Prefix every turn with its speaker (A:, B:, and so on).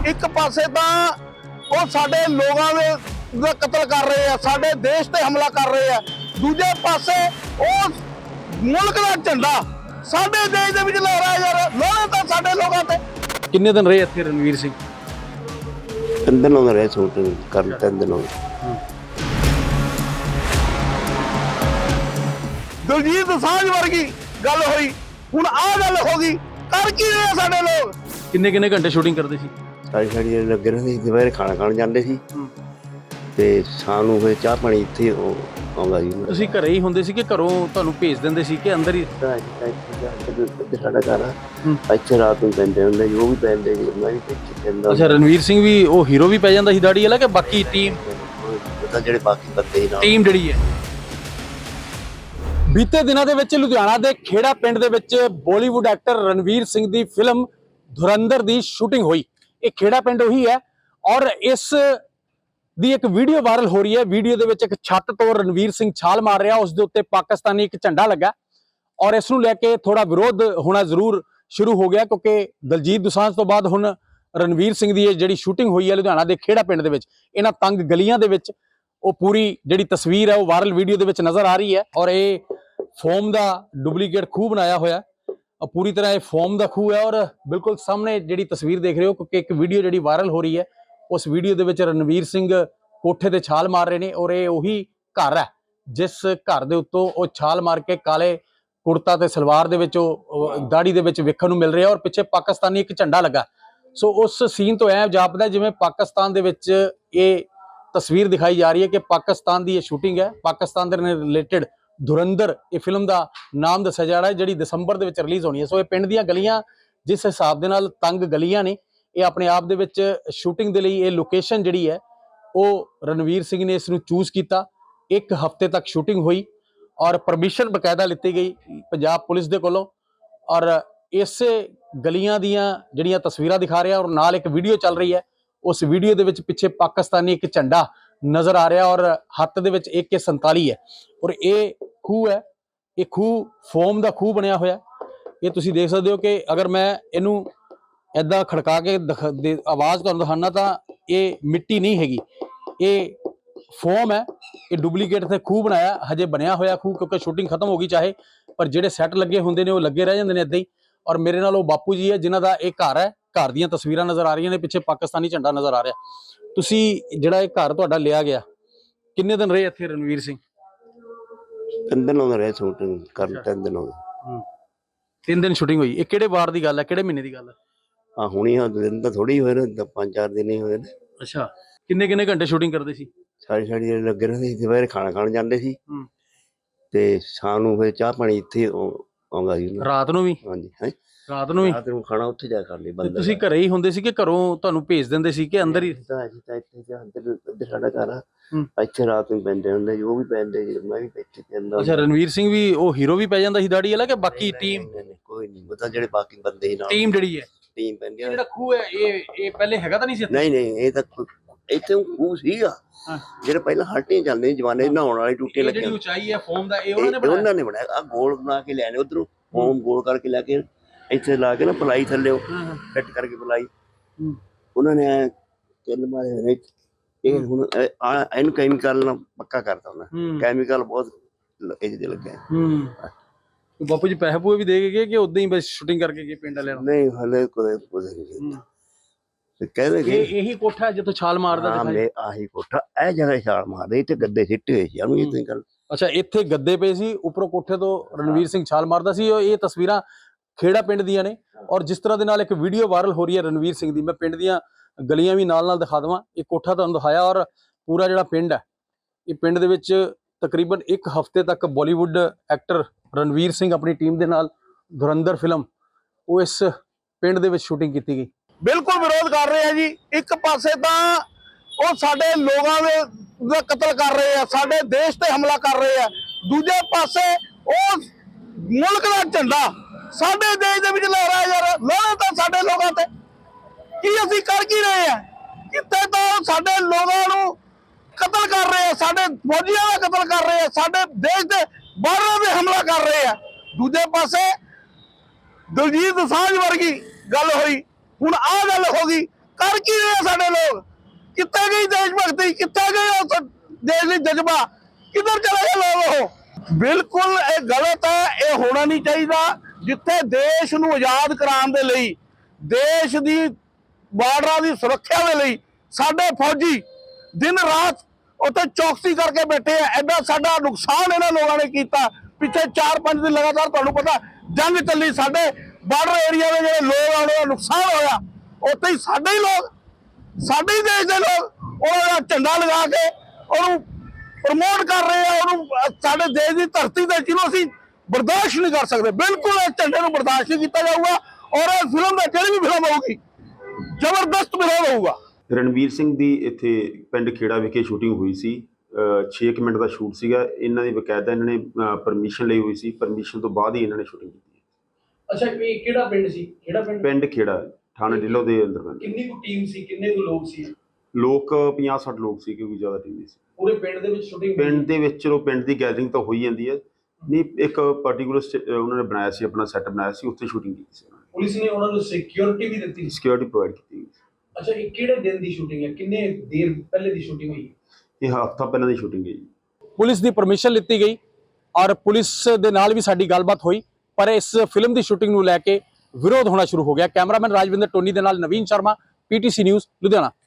A: ਇੱਕ ਪਾਸੇ ਤਾਂ ਉਹ ਸਾਡੇ ਲੋਕਾਂ ਦਾ ਕਤਲ ਕਰ ਰਹੇ ਆ, ਸਾਡੇ ਦੇਸ਼ ਤੇ ਹਮਲਾ ਕਰ ਰਹੇ ਆ, ਦੂਜੇ ਪਾਸੇ ਉਹ ਮੁਲਕ ਦਾ ਝੰਡਾ ਸਾਡੇ ਦੇਸ਼ ਦੇ ਵਿੱਚ ਲਹਿਰਾ ਯਾਰ, ਲੋਹੇ ਤਾਂ ਸਾਡੇ ਲੋਕਾਂ ਤੇ।
B: ਕਿੰਨੇ ਦਿਨ ਰਹੇ ਇੱਥੇ ਰਣਵੀਰ ਸਿੰਘ?
C: 3 ਦਿਨ ਹੋ ਗਏ ਸ਼ੂਟਿੰਗ ਕਰਨ, 3 ਦਿਨ ਹੋ ਗਏ।
A: ਦਲਜੀਤ ਦੋਸਾਂਝ ਵਰਗੀ ਗੱਲ ਹੋਈ, ਹੁਣ ਆਹ ਗੱਲ ਹੋ ਗਈ, ਕਰ ਕੀ ਰਹੇ ਆ ਸਾਡੇ ਲੋਕ?
B: ਕਿੰਨੇ ਘੰਟੇ ਸ਼ੂਟਿੰਗ ਕਰਦੇ ਸੀ?
C: ਸਾਰੀ ਲੱਗੇ ਰਹਿੰਦੇ ਸੀ, ਦੁਪਹਿਰੇ ਖਾਣਾ ਖਾਣ ਜਾਂਦੇ ਸੀ ਤੇ ਸ਼ਾਮ ਨੂੰ ਫਿਰ ਚਾਹ ਪਾਣੀ ਇੱਥੇ ਆਉਂਦਾ ਜੀ।
B: ਤੁਸੀਂ ਘਰੇ ਹੀ ਹੁੰਦੇ ਸੀ ਕਿ ਘਰੋਂ ਤੁਹਾਨੂੰ ਭੇਜ ਦਿੰਦੇ ਸੀ ਕਿ ਅੰਦਰ ਹੀ?
C: ਸਾਡਾ ਘਰ ਆ, ਇੱਥੇ ਰਾਤ ਨੂੰ ਪੈਂਦੇ ਹੁੰਦੇ ਜੀ, ਉਹ ਵੀ ਪੈਂਦੇ ਜੀ, ਮੈਂ ਵੀ ਪੈਂਦਾ।
B: ਅੱਛਾ, ਰਣਵੀਰ ਸਿੰਘ ਵੀ ਉਹ ਹੀਰੋ ਵੀ ਪੈ ਜਾਂਦਾ ਸੀ ਦਾੜੀ ਵਾਲਾ ਕਿ ਬਾਕੀ ਟੀਮ?
C: ਜਿਹੜੇ ਬਾਕੀ ਬੰਦੇ ਨਾਲ
B: ਟੀਮ ਜਿਹੜੀ ਹੈ। ਬੀਤੇ ਦਿਨਾਂ ਦੇ ਵਿੱਚ ਲੁਧਿਆਣਾ ਦੇ ਖੇੜਾ ਪਿੰਡ ਦੇ ਵਿੱਚ ਬਾਲੀਵੁੱਡ ਐਕਟਰ ਰਣਵੀਰ ਸਿੰਘ ਦੀ ਫਿਲਮ ਧੁਰੰਧਰ ਦੀ ਸ਼ੂਟਿੰਗ ਹੋਈ। ਇਹ ਖੇੜਾ ਪਿੰਡ ਉਹੀ ਹੈ ਔਰ ਇਸ ਦੀ ਇੱਕ ਵੀਡੀਓ ਵਾਇਰਲ ਹੋ ਰਹੀ ਹੈ। ਵੀਡੀਓ ਦੇ ਵਿੱਚ ਇੱਕ ਛੱਤ ਤੋਂ ਰਣਵੀਰ ਸਿੰਘ ਛਾਲ ਮਾਰ ਰਿਹਾ, ਉਸ ਦੇ ਉੱਤੇ ਪਾਕਿਸਤਾਨੀ ਇੱਕ ਝੰਡਾ ਲੱਗਾ ਔਰ ਇਸ ਨੂੰ ਲੈ ਕੇ ਥੋੜਾ ਵਿਰੋਧ ਹੋਣਾ ਜ਼ਰੂਰ ਸ਼ੁਰੂ ਹੋ ਗਿਆ, ਕਿਉਂਕਿ ਦਲਜੀਤ ਦੋਸਾਂਝ ਤੋਂ ਬਾਅਦ ਹੁਣ ਰਣਵੀਰ ਸਿੰਘ ਦੀ ਇਹ ਜਿਹੜੀ ਸ਼ੂਟਿੰਗ ਹੋਈ ਹੈ ਲੁਧਿਆਣਾ ਦੇ ਖੇੜਾ ਪਿੰਡ ਦੇ ਵਿੱਚ, ਇਹਨਾਂ ਤੰਗ ਗਲੀਆਂ ਦੇ ਵਿੱਚ, ਉਹ ਪੂਰੀ ਜਿਹੜੀ ਤਸਵੀਰ ਹੈ ਉਹ ਵਾਇਰਲ ਵੀਡੀਓ ਦੇ ਵਿੱਚ ਨਜ਼ਰ ਆ ਰਹੀ ਹੈ। ਔਰ ਇਹ ਫੋਮ ਦਾ ਡੁਪਲੀਕੇਟ ਖੂਹ ਬਣਾਇਆ ਹੋਇਆ, ਪੂਰੀ ਤਰ੍ਹਾਂ ਇਹ ਫੋਮ ਦਾ ਖੂਹ ਹੈ ਔਰ ਬਿਲਕੁਲ ਸਾਹਮਣੇ ਜਿਹੜੀ ਤਸਵੀਰ ਦੇਖ ਰਹੇ ਹੋ, ਕਿਉਂਕਿ ਇੱਕ ਵੀਡੀਓ ਜਿਹੜੀ ਵਾਇਰਲ ਹੋ ਰਹੀ ਹੈ, ਉਸ ਵੀਡੀਓ ਦੇ ਵਿੱਚ ਰਣਵੀਰ ਸਿੰਘ ਕੋਠੇ ਤੇ ਛਾਲ ਮਾਰ ਰਹੇ ਨੇ ਔਰ ਇਹ ਉਹੀ ਘਰ ਹੈ ਜਿਸ ਘਰ ਦੇ ਉੱਤੋਂ ਉਹ ਛਾਲ ਮਾਰ ਕੇ ਕਾਲੇ ਕੁੜਤਾ ਤੇ ਸਲਵਾਰ ਦੇ ਵਿੱਚ ਉਹ ਦਾੜੀ ਦੇ ਵਿੱਚ ਵੇਖਣ ਨੂੰ ਮਿਲ ਰਿਹਾ ਔਰ ਪਿੱਛੇ ਪਾਕਿਸਤਾਨੀ ਇੱਕ ਝੰਡਾ ਲੱਗਾ। ਸੋ ਉਸ ਸੀਨ ਤੋਂ ਐ ਜਾਪਦਾ ਜਿਵੇਂ ਪਾਕਿਸਤਾਨ ਦੇ ਵਿੱਚ ਇਹ ਤਸਵੀਰ ਦਿਖਾਈ ਜਾ ਰਹੀ ਹੈ ਕਿ ਪਾਕਿਸਤਾਨ ਦੀ ਇਹ ਸ਼ੂਟਿੰਗ ਹੈ। ਪਾਕਿਸਤਾਨ ਦੇ ਰਿਲੇਟਡ ਧੁਰੰਧਰ ਇਹ ਫਿਲਮ ਦਾ ਨਾਮ ਦੱਸਿਆ ਜਾ ਰਿਹਾ ਹੈ, ਜਿਹੜੀ ਦਸੰਬਰ ਦੇ ਵਿੱਚ ਰਿਲੀਜ਼ ਹੋਣੀ ਹੈ। ਸੋ ਇਹ ਪਿੰਡ ਦੀਆਂ ਗਲੀਆਂ ਜਿਸ ਹਿਸਾਬ ਦੇ ਨਾਲ ਤੰਗ ਗਲੀਆਂ ਨੇ, ਇਹ ਆਪਣੇ ਆਪ ਦੇ ਵਿੱਚ ਸ਼ੂਟਿੰਗ ਦੇ ਲਈ ਇਹ ਲੋਕੇਸ਼ਨ ਜਿਹੜੀ ਹੈ ਉਹ ਰਣਵੀਰ ਸਿੰਘ ਨੇ ਇਸ ਨੂੰ ਚੂਜ਼ ਕੀਤਾ। 1 ਹਫ਼ਤੇ ਤੱਕ ਸ਼ੂਟਿੰਗ ਹੋਈ ਔਰ ਪਰਮਿਸ਼ਨ ਬਕਾਇਦਾ ਲਿੱਤੀ ਗਈ ਪੰਜਾਬ ਪੁਲਿਸ ਦੇ ਕੋਲੋਂ ਔਰ ਇਸੇ ਗਲੀਆਂ ਦੀਆਂ ਜਿਹੜੀਆਂ ਤਸਵੀਰਾਂ ਦਿਖਾ ਰਿਹਾ ਔਰ ਨਾਲ ਇੱਕ ਵੀਡੀਓ ਚੱਲ ਰਹੀ ਹੈ। ਉਸ ਵੀਡੀਓ ਦੇ ਵਿੱਚ ਪਿੱਛੇ ਪਾਕਿਸਤਾਨੀ ਇੱਕ ਝੰਡਾ ਨਜ਼ਰ ਆ ਰਿਹਾ ਔਰ ਹੱਥ ਦੇ ਵਿੱਚ AK-47 ਹੈ ਔਰ ਇਹ ਖੂਹ ਹੈ, ਇਹ ਖੂਹ ਫੋਮ ਦਾ ਖੂਹ ਬਣਿਆ ਹੋਇਆ। ਇਹ ਤੁਸੀਂ ਦੇਖ ਸਕਦੇ ਹੋ ਕਿ ਅਗਰ ਮੈਂ ਇਹਨੂੰ ਏਦਾਂ ਖੜਕਾ ਕੇ ਆਵਾਜ਼ ਤੁਹਾਨੂੰ ਦਿਖਾਣਾ ਤਾਂ ਇਹ ਮਿੱਟੀ ਨਹੀਂ ਹੈਗੀ, ਇਹ ਫੋਮ ਹੈ। ਇਹ ਡੁਪਲੀਕੇਟ ਤੇ ਖੂਹ ਬਣਾਇਆ, ਹਜੇ ਬਣਿਆ ਹੋਇਆ ਖੂਹ, ਕਿਉਂਕਿ ਸ਼ੂਟਿੰਗ ਖਤਮ ਹੋ ਗਈ ਚਾਹੇ, ਪਰ ਜਿਹੜੇ ਸੈੱਟ ਲੱਗੇ ਹੁੰਦੇ ਨੇ ਉਹ ਲੱਗੇ ਰਹਿ ਜਾਂਦੇ ਨੇ ਏਦਾਂ ਹੀ। ਔਰ ਮੇਰੇ ਨਾਲ ਉਹ ਬਾਪੂ ਜੀ ਹੈ ਜਿਨ੍ਹਾਂ ਦਾ ਇਹ ਘਰ ਹੈ, ਘਰ ਦੀਆਂ ਤਸਵੀਰਾਂ ਨਜ਼ਰ ਆ ਰਹੀਆਂ ਨੇ, ਪਿੱਛੇ ਪਾਕਿਸਤਾਨੀ ਝੰਡਾ ਨਜ਼ਰ ਆ ਰਿਹਾ। ਤੁਸੀਂ ਜਿਹੜਾ ਇਹ ਘਰ ਤੁਹਾਡਾ ਲਿਆ ਗਿਆ, ਕਿੰਨੇ ਦਿਨ ਰਹੇ ਇੱਥੇ ਰਣਵੀਰ ਸਿੰਘ?
C: 3 ਦਿਨ ਹੋ ਗਏ ਸ਼ੂਟਿੰਗ ਕਰਨ, 3 ਦਿਨ ਹੋ ਗਏ।
B: 3 ਦਿਨ ਸ਼ੂਟਿੰਗ ਹੋਈ। ਇਹ ਕਿਹੜੇ ਵਾਰ ਦੀ ਗੱਲ ਹੈ, ਕਿਹੜੇ ਮਹੀਨੇ ਦੀ ਗੱਲ ਹੈ?
C: ਹੁਣੀ ਦਿਨ ਤਾਂ ਥੋੜੀ ਹੋਏ ਨੇ, 5-4 ਦਿਨ ਹੀ ਹੋਏ ਨੇ।
B: ਅੱਛਾ, ਕਿੰਨੇ ਘੰਟੇ ਸ਼ੂਟਿੰਗ ਕਰਦੇ ਸੀ?
C: ਸਾਰੀ ਲੱਗੇ ਰਹਿੰਦੇ ਸੀ, ਦੁਪਹਿਰੇ ਖਾਣਾ ਖਾਣ ਜਾਂਦੇ ਸੀ ਤੇ ਸ਼ਾਮ ਨੂੰ ਫਿਰ ਚਾਹ ਪਾਣੀ ਇੱਥੇ ਆਉਂਦਾ ਜੀ।
B: ਰਾਤ ਨੂੰ ਵੀ?
C: ਹਾਂਜੀ, ਹੈ
B: ਰਾਤ ਨੂੰ ਵੀ?
C: ਰਾਤ ਨੂੰ ਖਾਣਾ ਉੱਥੇ ਜਾ ਕਰ ਲਈ ਬੰਦਾ।
B: ਤੁਸੀਂ ਘਰੇ ਹੀ ਹੁੰਦੇ ਸੀ ਕਿ ਘਰੋਂ ਤੁਹਾਨੂੰ ਭੇਜ ਦਿੰਦੇ ਸੀ ਕਿ ਅੰਦਰ ਹੀ?
C: ਇੱਥੇ ਸਾਡਾ ਘਰ ਆ, ਇੱਥੇ ਰਾਤ ਨੂੰ ਪੈਂਦੇ ਹੁੰਦੇ ਜੀ, ਉਹ ਵੀ ਪੈਂਦੇ ਜੀ, ਮੈਂ ਵੀ ਇੱਥੇ ਪੈਂਦਾ।
B: ਅੱਛਾ, ਰਣਵੀਰ ਸਿੰਘ ਵੀ ਉਹ ਹੀਰੋ ਵੀ ਪੈ ਜਾਂਦਾ ਸੀ ਦਾੜੀ ਵਾਲਾ ਕਿ ਬਾਕੀ ਟੀਮ?
C: ਕੋਈ ਨਹੀਂ ਪਤਾ, ਜਿਹੜੇ ਬਾਕੀ ਬੰਦੇ ਨਾਲ
B: ਟੀਮ ਜਿਹੜੀ ਹੈ
C: ਟੀਮ ਪੈਂਦੀ।
B: ਜਿਹੜਾ ਖੂਹ ਹੈ ਇਹ ਪਹਿਲੇ ਹੈਗਾ ਤਾਂ ਨਹੀਂ ਸੀ?
C: ਨਹੀਂ, ਇਹ ਤਾਂ ਇੱਥੇ ਖੂਹ ਸੀਗਾ ਜਿਹੜੇ ਪਹਿਲਾਂ ਹਲਟੀਆਂ ਚੱਲਦੇ ਜਵਾਨੇ, ਨਹਾਉਣ ਵਾਲੇ ਟੂਟੇ ਲੱਗੇ।
B: ਜਿਹੜੀ ਉਚਾਈ ਹੈ ਫੋਮ ਦਾ, ਇਹ
C: ਉਹਨਾਂ ਨੇ ਬਣਾਇਆ। ਆ ਗੋਲ ਬਣਾ ਕੇ ਲੈਣੇ, ਉਧਰੋਂ ਫੋਮ ਗੋਲ ਕਰਕੇ ਲੈ ਕੇ ਇੱਥੇ ਲਾ ਕੇ ਨਾ ਪਲਾਈ ਥੱਲੇ ਫਿੱਟ ਕਰਕੇ ਪਲਾਈ ਉਹਨਾਂ ਨੇ 3 ਮਾਰੇ ਹੋਏ ਨੇ। ਇਹ ਹੁਣ ਇਹਨੂੰ ਕੈਮੀਕਲ ਨਾਲ ਪੱਕਾ ਕਰਤਾ ਉਹਨਾਂ, ਕੈਮੀਕਲ ਬਹੁਤ ਇਹਦੇ ਲੱਗਿਆ।
B: ਬਾਪੂ ਜੀ ਪੈਸੇ ਪੂਏ ਵੀ ਦੇ ਕੇ ਗਏ ਕਿ ਉਦਾਂ ਹੀ ਬਸ ਸ਼ੂਟਿੰਗ ਕਰਕੇ ਗਏ ਪਿੰਡ ਵਾਲਿਆਂ ਨੂੰ?
C: ਨਹੀਂ, ਹਲੇ ਕੁਝ ਨਹੀਂ ਕਹਿੰਦੇ ਕਿ
B: ਇਹੀ ਕੋਠਾ ਜਿੱਥੋਂ ਛਾਲ ਮਾਰਦਾ ਦਿਖਾਈ?
C: ਆਹੀ ਕੋਠਾ, ਇਹ ਜਗ੍ਹਾ ਛਾਲ ਮਾਰਦੇ, ਇੱਥੇ ਗੱਦੇ ਸਿੱਟੇ ਹੋਏ ਸੀ ਉਹਨੂੰ। ਇਹ ਗੱਲ
B: ਅੱਛਾ, ਇੱਥੇ ਗੱਦੇ ਪਏ ਸੀ, ਉੱਪਰੋਂ ਕੋਠੇ ਤੋਂ ਰਣਵੀਰ ਸਿੰਘ ਛਾਲ ਮਾਰਦਾ ਸੀ। ਇਹ ਤਸਵੀਰਾਂ ਖੇੜਾ ਪਿੰਡ ਦੀਆਂ ਨੇ ਔਰ ਜਿਸ ਤਰ੍ਹਾਂ ਦੇ ਨਾਲ ਇੱਕ ਵੀਡੀਓ ਵਾਇਰਲ ਹੋ ਰਹੀ ਹੈ ਰਣਵੀਰ ਸਿੰਘ ਦੀ, ਮੈਂ ਪਿੰਡ ਦੀਆਂ ਗਲੀਆਂ ਵੀ ਨਾਲ ਦਿਖਾ ਦੇਵਾਂ। ਇਹ ਕੋਠਾ ਤੁਹਾਨੂੰ ਦਿਖਾਇਆ ਔਰ ਪੂਰਾ ਜਿਹੜਾ ਪਿੰਡ ਹੈ, ਇਹ ਪਿੰਡ ਦੇ ਵਿੱਚ ਤਕਰੀਬਨ 1 ਹਫ਼ਤੇ ਤੱਕ ਬਾਲੀਵੁੱਡ ਐਕਟਰ ਰਣਵੀਰ ਸਿੰਘ ਆਪਣੀ ਟੀਮ ਦੇ ਨਾਲ ਧੁਰੰਧਰ ਫਿਲਮ ਉਹ ਇਸ ਪਿੰਡ ਦੇ ਵਿੱਚ ਸ਼ੂਟਿੰਗ ਕੀਤੀ ਗਈ।
A: ਬਿਲਕੁਲ ਵਿਰੋਧ ਕਰ ਰਹੇ ਆ ਜੀ। ਇੱਕ ਪਾਸੇ ਤਾਂ ਉਹ ਸਾਡੇ ਲੋਕਾਂ ਦਾ ਕਤਲ ਕਰ ਰਹੇ ਆ, ਸਾਡੇ ਦੇਸ਼ ਤੇ ਹਮਲਾ ਕਰ ਰਹੇ ਆ, ਦੂਜੇ ਪਾਸੇ ਉਹ ਮੁਲਕ ਦਾ ਝੰਡਾ ਸਾਡੇ ਦੇਸ਼ ਦੇ ਵਿੱਚ ਲਹਿਰਾ ਯਾਰ, ਲੋਹੇ ਤਾਂ ਸਾਡੇ ਲੋਕਾਂ ਤੇ। ਕੀ ਅਸੀਂ ਕਰ ਕੀ ਰਹੇ ਆ? ਕਿੱਥੇ ਤਾਂ ਸਾਡੇ ਲੋਕਾਂ ਨੂੰ ਕਤਲ ਕਰ ਰਹੇ ਆ, ਸਾਡੇ ਫੌਜੀਆਂ ਦਾ ਕਤਲ ਕਰ ਰਹੇ ਆ, ਸਾਡੇ ਦੇਸ਼ ਦੇ ਬਾਹਰਾਂ ਤੇ ਹਮਲਾ ਕਰ ਰਹੇ ਆ, ਦੂਜੇ ਪਾਸੇ ਦਲਜੀਤ ਦੋਸਾਂਝ ਵਰਗੀ ਗੱਲ ਹੋਈ, ਹੁਣ ਆਹ ਗੱਲ ਹੋ ਗਈ, ਕਰ ਕੀ ਰਹੇ ਸਾਡੇ ਲੋਕ? ਕਿੱਥੇ ਗਈ ਦੇਸ਼ ਭਗਤੀ? ਕਿੱਥੇ ਗਏ ਉਸ ਦੇਸ਼ ਲਈ ਜਜ਼ਬਾ? ਕਿੱਧਰ ਚਲੇ ਗਏ ਲੋਕ? ਉਹ ਬਿਲਕੁਲ ਇਹ ਗਲਤ ਹੈ, ਇਹ ਹੋਣਾ ਨਹੀਂ ਚਾਹੀਦਾ। ਜਿੱਥੇ ਦੇਸ਼ ਨੂੰ ਆਜ਼ਾਦ ਕਰਾਉਣ ਦੇ ਲਈ, ਦੇਸ਼ ਦੀ ਬਾਰਡਰਾਂ ਦੀ ਸੁਰੱਖਿਆ ਦੇ ਲਈ ਸਾਡੇ ਫੌਜੀ ਦਿਨ ਰਾਤ ਉੱਥੇ ਚੌਕਸੀ ਕਰਕੇ ਬੈਠੇ ਆ। ਐਡਾ ਸਾਡਾ ਨੁਕਸਾਨ ਇਹਨਾਂ ਲੋਕਾਂ ਨੇ ਕੀਤਾ। ਪਿੱਛੇ 4-5 ਦਿਨ ਲਗਾਤਾਰ ਤੁਹਾਨੂੰ ਪਤਾ ਜੰਗ ਚੱਲੀ, ਸਾਡੇ ਬਾਰਡਰ ਏਰੀਆ ਦੇ ਜਿਹੜੇ ਲੋਕ ਆ ਉਹਨਾਂ ਦਾ ਨੁਕਸਾਨ ਹੋਇਆ। ਉੱਥੇ ਹੀ ਸਾਡੇ ਹੀ ਲੋਕ, ਸਾਡੇ ਹੀ ਦੇਸ਼ ਦੇ ਲੋਕ ਉਹਨਾਂ ਦਾ ਝੰਡਾ ਲਗਾ ਕੇ ਉਹਨੂੰ ਪ੍ਰਮੋਟ ਕਰ ਰਹੇ ਆ। ਉਹਨੂੰ ਸਾਡੇ ਦੇਸ਼ ਦੀ ਧਰਤੀ ਤੇ ਜਿਹਨੂੰ ਅਸੀਂ ਬਰਦਾਸ਼ਤ ਨਹੀਂ ਕਰ ਸਕਦੇ। ਬਿਲਕੁਲ ਇਸ ਝੰਡੇ ਨੂੰ ਬਰਦਾਸ਼ਤ ਨਹੀਂ ਕੀਤਾ ਜਾਊਗਾ। ਔਰ ਇਹ ਫਿਲਮ ਦਾ ਜਿਹੜੀ ਵੀ ਫਿਲਮ ਹੋਊਗੀ ਜ਼ਬਰਦਸਤ ਵਿਰੋਧ ਹੋਊਗਾ।
D: ਰਣਵੀਰ ਸਿੰਘ ਦੀ ਇੱਥੇ ਪਿੰਡ ਖੇੜਾ ਵਿਖੇ ਸ਼ੂਟਿੰਗ ਹੋਈ ਸੀ। 6 ਮਿੰਟ ਦਾ ਸ਼ੂਟ ਸੀਗਾ। ਇਹਨਾਂ ਦੀ ਬਕਾਇਦਾ ਇਹਨਾਂ ਨੇ ਪਰਮਿਸ਼ਨ ਲਈ ਹੋਈ ਸੀ। ਪਰਮਿਸ਼ਨ ਤੋਂ ਬਾਅਦ ਹੀ ਇਹਨਾਂ ਨੇ ਸ਼ੂਟਿੰਗ ਕੀਤੀ।
E: ਅੱਛਾ, ਇਹ ਕਿਹੜਾ ਪਿੰਡ ਸੀ? ਕਿਹੜਾ ਪਿੰਡ?
D: ਪਿੰਡ ਖੇੜਾ, ਥਾਣਾ ਢਿੱਲੋਂ ਦੇ ਅੰਦਰ ਪੈਂਦਾ।
E: ਕਿੰਨੀ ਕੁ ਟੀਮ ਸੀ? ਕਿੰਨੇ ਕੁ ਲੋਕ ਸੀ?
D: ਲੋਕ 50-60 ਲੋਕ ਸੀ, ਕਿਉਂਕਿ ਜ਼ਿਆਦਾ ਟੀਮ ਨਹੀਂ ਸੀ।
E: ਪੂਰੇ ਪਿੰਡ ਦੇ ਵਿੱਚ ਸ਼ੂਟਿੰਗ?
D: ਪਿੰਡ ਦੇ ਵਿੱਚ ਚਲੋ ਪਿੰਡ ਦੀ ਗੈਦਰਿੰਗ ਤਾਂ ਹੋਈ ਜਾਂਦੀ ਹੈ, ਨਹੀਂ ਇੱਕ ਪਾਰਟਿਕੂਲਰ ਉਹਨਾਂ ਨੇ ਬਣਾਇਆ ਸੀ, ਆਪਣਾ ਸੈੱਟ ਬਣਾਇਆ ਸੀ, ਉੱਥੇ ਸ਼ੂਟਿੰਗ ਕੀਤੀ ਸੀ।
E: ਪੁਲਿਸ ਨੇ ਉਹਨਾਂ ਨੂੰ ਸਿਕਿਉਰਿਟੀ ਵੀ ਦਿੱਤੀ?
D: ਸਿਕਿਉਰਿਟੀ ਪ੍ਰੋਵਾਈਡ ਕੀਤੀ।
E: ਅੱਛਾ, ਇਹ ਕਿਹੜੇ ਦਿਨ ਦੀ ਸ਼ੂਟਿੰਗ ਹੈ? ਕਿੰਨੇ ਦੇਰ ਪਹਿਲੇ ਦੀ ਸ਼ੂਟਿੰਗ ਹੋਈ?
D: ਇਹ ਹਫ਼ਤਾ ਪਹਿਲਾਂ ਦੀ ਸ਼ੂਟਿੰਗ ਹੈ ਜੀ।
B: ਪੁਲਿਸ ਦੀ ਪਰਮਿਸ਼ਨ ਲਿੱਤੀ ਗਈ ਔਰ ਪੁਲਿਸ ਦੇ ਨਾਲ ਵੀ ਸਾਡੀ ਗੱਲਬਾਤ ਹੋਈ, ਪਰ ਇਸ ਫਿਲਮ ਦੀ ਸ਼ੂਟਿੰਗ ਨੂੰ ਲੈ ਕੇ ਵਿਰੋਧ ਹੋਣਾ ਸ਼ੁਰੂ ਹੋ ਗਿਆ। ਕੈਮਰਾਮੈਨ ਰਾਜਵਿੰਦਰ ਟੋਨੀ ਦੇ ਨਾਲ ਨਵੀਨ ਸ਼ਰਮਾ, PTC ਨਿਊਜ਼, ਲੁਧਿਆਣਾ।